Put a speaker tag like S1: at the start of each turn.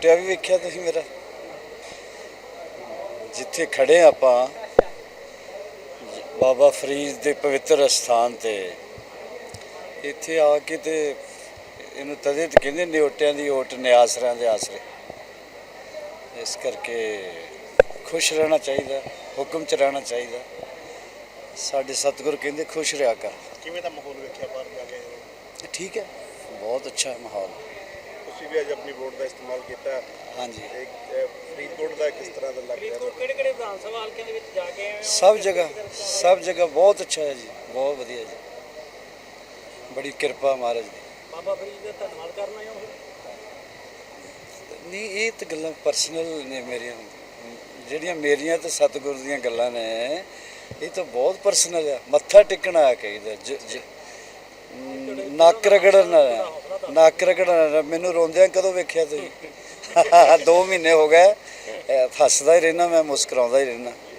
S1: ਨਿਓਟਿਆ ਵੀ ਵੇਖਿਆ ਤੁਸੀਂ ਮੇਰਾ, ਜਿੱਥੇ ਖੜੇ ਆਪਾਂ ਬਾਬਾ ਫਰੀਦ ਦੇ ਪਵਿੱਤਰ ਅਸਥਾਨ ਤੇ, ਇੱਥੇ ਆ ਕੇ ਤੇ ਇਹਨੂੰ ਤਦੇ ਤੇ ਕਹਿੰਦੇ ਨਿਓਟਿਆਂ ਦੀ ਓਟ ਨਿਆਸਰਿਆਂ ਦੇ ਆਸਰੇ। ਇਸ ਕਰਕੇ ਖੁਸ਼ ਰਹਿਣਾ ਚਾਹੀਦਾ, ਹੁਕਮ 'ਚ ਰਹਿਣਾ ਚਾਹੀਦਾ। ਸਾਡੇ ਸਤਿਗੁਰ ਕਹਿੰਦੇ ਖੁਸ਼ ਰਿਹਾ ਕਰ।
S2: ਕਿਵੇਂ ਦਾ ਮਾਹੌਲ ਵੇਖਿਆ ਬਾਹਰ ਜਾ ਕੇ?
S1: ਠੀਕ ਹੈ, ਬਹੁਤ ਅੱਛਾ ਮਾਹੌਲ।
S2: ਤੁਸੀਂ ਵੀ ਅੱਜ ਆਪਣੀ ਵੋਟ ਦਾ ਇਸਤੇਮਾਲ ਕੀਤਾ।
S1: ਹਾਂਜੀ,
S2: ਫਰੀਦਕੋਟ ਦਾ ਕਿਸ ਤਰ੍ਹਾਂ ਦਾ ਲੱਗ ਰਿਹਾ?
S3: ਕਿਹੜੇ ਵਿਧਾਨ ਸਭਾ ਹਲਕਿਆਂ ਦੇ ਵਿੱਚ ਜਾ ਕੇ ਆਏ ਹੋ?
S1: ਸਭ ਜਗ੍ਹਾ ਬਹੁਤ ਅੱਛਾ ਹੈ ਜੀ, ਬਹੁਤ ਵਧੀਆ ਜੀ, ਬੜੀ ਕਿਰਪਾ ਮਹਾਰਾਜ ਦੀ।
S3: ਬਾਬਾ ਫਰੀਦ ਦਾ ਧੰਨਵਾਦ ਕਰਨਾ ਹੈ।
S1: ਨਹੀਂ, ਇਹ ਤਾਂ ਗੱਲਾਂ ਪਰਸਨਲ ਨੇ ਮੇਰੀਆਂ, ਜਿਹੜੀਆਂ ਮੇਰੀਆਂ ਤੇ ਸਤਿਗੁਰ ਦੀਆਂ ਗੱਲਾਂ ਨੇ, ਇਹ ਤਾਂ ਬਹੁਤ ਪਰਸਨਲ ਆ। ਮੱਥਾ ਟੇਕਣਾ ਕਹੀਦਾ, ਨੱਕ ਰਗੜਨਾ। ਮੈਨੂੰ ਰੋਂਦਿਆਂ ਕਦੋਂ ਵੇਖਿਆ ਤੁਸੀਂ? 2 ਮਹੀਨੇ ਹੋ ਗਏ, ਹੱਸਦਾ ਹੀ ਰਹਿਣਾ ਮੈਂ, ਮੁਸਕਰਾਉਂਦਾ ਹੀ ਰਹਿਣਾ।